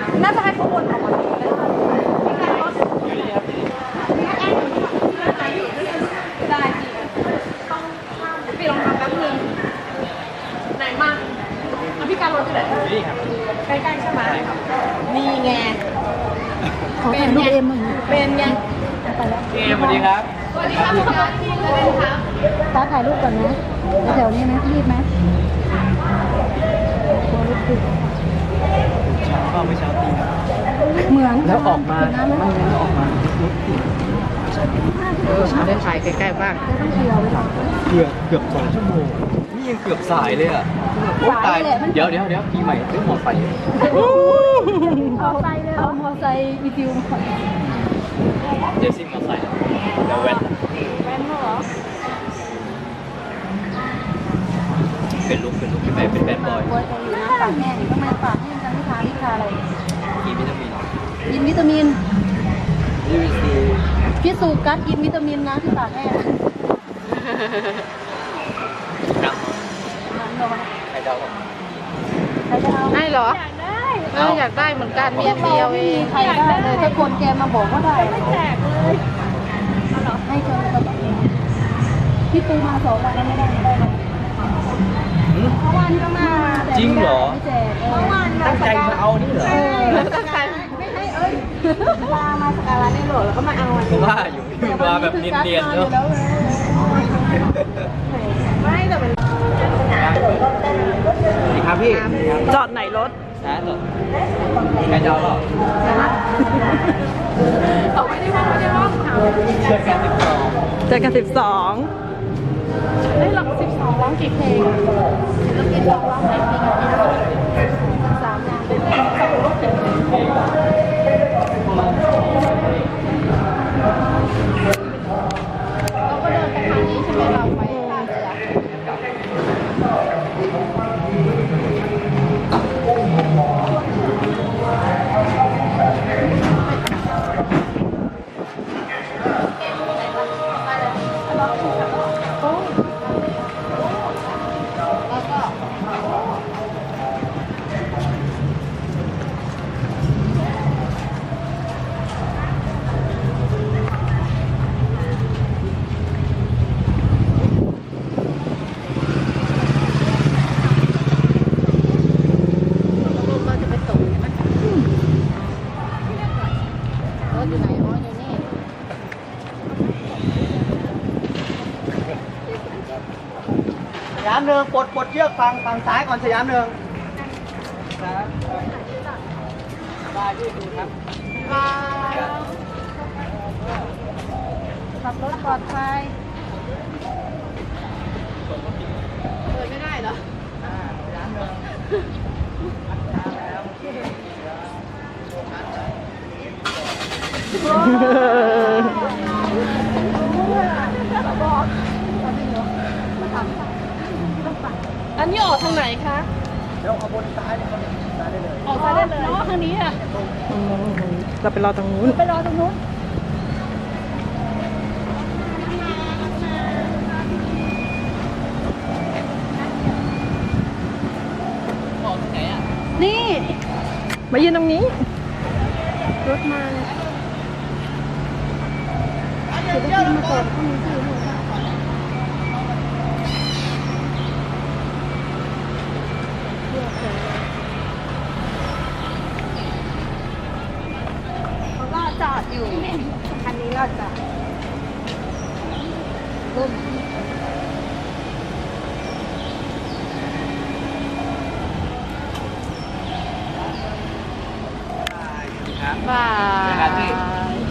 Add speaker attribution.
Speaker 1: น่าจะให้เขาวนออกมาได้ได้พี่ลองทำแป๊บนึงไหนมาพี่การรถอยู่ไหนนี่ครับใกล้ๆใช่ไหมนี่ไงเป็นไงเป็นไงไปแล้ว
Speaker 2: สวัสดีครับ
Speaker 1: สวัสดีครับคุณการที่เล่นครับตาถ่ายรูปก่อนนะแถวนี้ไหมรีบไหม
Speaker 2: เช้าก็ไม่เช้าตี
Speaker 1: เหมือน
Speaker 2: แล้วออกมาไม่งั้นออกมาลุกมาได้ถ่ายใกล้ๆบ้าง
Speaker 1: ต้องเที่ยวไปก่อน
Speaker 2: เกือบ2 ชั่วโมงนี่ยังเกือบสายเลยอ่ะตายเดี๋ยวปีใหม่ซื้อหมอไฟ
Speaker 1: เอาไซค์เลยเอามอไซค์วิดีโอมาก่อน
Speaker 2: เดี๋ยวซิ่งมอไซค์เดี๋ยวแว้น
Speaker 1: เหรอ
Speaker 2: เป็นลุกพี่ใหม่เป็นแบดบอย
Speaker 1: เกาหลีนะปากแห้งทำไมปากแห้งจังวิชาอะไร
Speaker 2: กินวิตามิน
Speaker 1: กินวิตามินพี่สูกัสกินวิตามินนะที่ปากแห้ง
Speaker 2: ครับใครจะเอา
Speaker 1: ให้เหรออยากได้เหมือนกันมีเดียวเองใครได้เลยถ้าคนแกมาบอกก็ได้ไม่แจกเลยให้เจอกระเป๋าพี่ปูมา2 วันแล้วไม่ได้เมื่อวานก็มา
Speaker 2: จริงเหรอ
Speaker 1: ไม่แจกเมื่อวาน
Speaker 2: ตั้งใจมาเอานี่เหรอ
Speaker 1: ตั้งใจไม่ให้มาสการะนี่หรอแล้วก็มาเอา
Speaker 2: เพราะว่าอยู่มาแบบเนียนๆเนาะ
Speaker 1: ไม่แต่เป็น
Speaker 2: สวัสดีครับพี่
Speaker 1: จอดไหนรถ
Speaker 2: นะเหรอใครจะเอาหรอ
Speaker 1: เอาไม่ได้ห้อง
Speaker 2: เจอกัน
Speaker 1: 12ได้หลัก12ร้องกี่เพลงแล้วกินร้องไหนเพลงกี่ร้อง3 งานเป็น2 รถถึงเราก็เดินไปทางนี้ใช่ไหมเราไปท่าเรือ
Speaker 2: สยามหนึ่งปลดเชือกฝั่งซ้ายก่อนสยามหนึ่งได้ที่ดูครับ
Speaker 1: ขับรถปลอดภัยเปิดไม่ได้เหรอ
Speaker 2: สยามหนึ่ง
Speaker 1: อันนี้ออกทางไหนคะ
Speaker 2: เดี๋ยวขบวนซ้ายเนี่ยเขาจะซ้ายได้เลย
Speaker 1: ออกซ้ายได้เลยอ๋อทางนี้อ่ะ
Speaker 3: เราไปรอตรงนู้น
Speaker 1: ไปรอตรงนู้น
Speaker 2: ออกที่ไหนอ่ะ
Speaker 1: นี่
Speaker 3: มายืนตรงนี้
Speaker 1: รถมาเดี๋ยวได้กินมาก่อนพรุ่งนี้ที่นู่นเขาก็จอดอยู่คันนี้เราจะรุ่น
Speaker 2: ครับ
Speaker 1: บาย